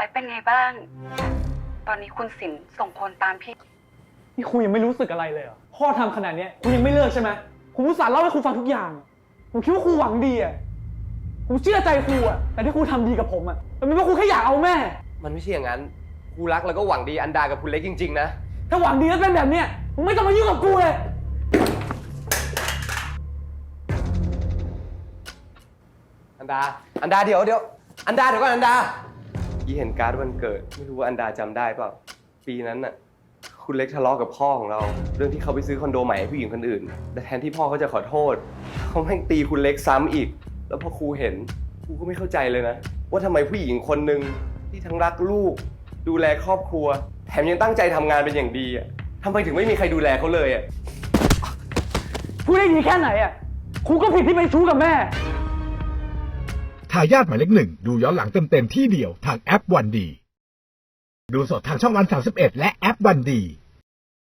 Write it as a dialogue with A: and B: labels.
A: และเป็นไงบ้าง ตอนนี้คุณสินส่งคนตามพี่
B: นี่คุณยังไม่รู้สึกอะไรเลยเหรอพ่อทำขนาดนี้คุณยังไม่เลิกใช่ไหมผมอุตส่าห์เล่าให้คุณฟังทุกอย่างผมคิดว่าครูหวังดีอ่ะผมเชื่อใจครูอ่ะแต่ที่ครูทำดีกับผมอ่ะมันเป็นเพราะครูแค่อยากเอาแม่
C: มันไม่ใช่อย่างนั้นครูรักแล้วก็หวังดีอันดากับคุณเล็กจริงๆนะ
B: ถ้าหวังดีแล้วเป็นแบบเนี้ยมึงไม่ต้องมายุ่งกับกูเลย
C: อันดาเดี๋ยวอันดาเดี๋ยวก่อนอันดายี่เห็นการ์ดวันเกิดไม่รู้ว่าอันดาจำได้เปล่าปีนั้นน่ะคุณเล็กทะเลาะกับพ่อของเราเรื่องที่เขาไปซื้อคอนโดใหม่ให้ผู้หญิงคนอื่นแต่แทนที่พ่อเขาจะขอโทษเขาแม่งตีคุณเล็กซ้ำอีกแล้วพอครูเห็นครูก็ไม่เข้าใจเลยนะว่าทำไมผู้หญิงคนหนึ่งที่ทั้งรักลูกดูแลครอบครัวแถมยังตั้งใจทำงานเป็นอย่างดีอ่ะทำไมถึงไม่มีใครดูแลเขาเลยอ่ะ
B: พูดได้ดีแค่ไหนอ่ะครูก็ผิดที่ไปชู้กับแม่
D: ทายาทหมายเลข 1ดูย้อนหลังเต็มๆที่เดียวทางแอปวันดีดูสดทางช่องวัน31และแอปวันดี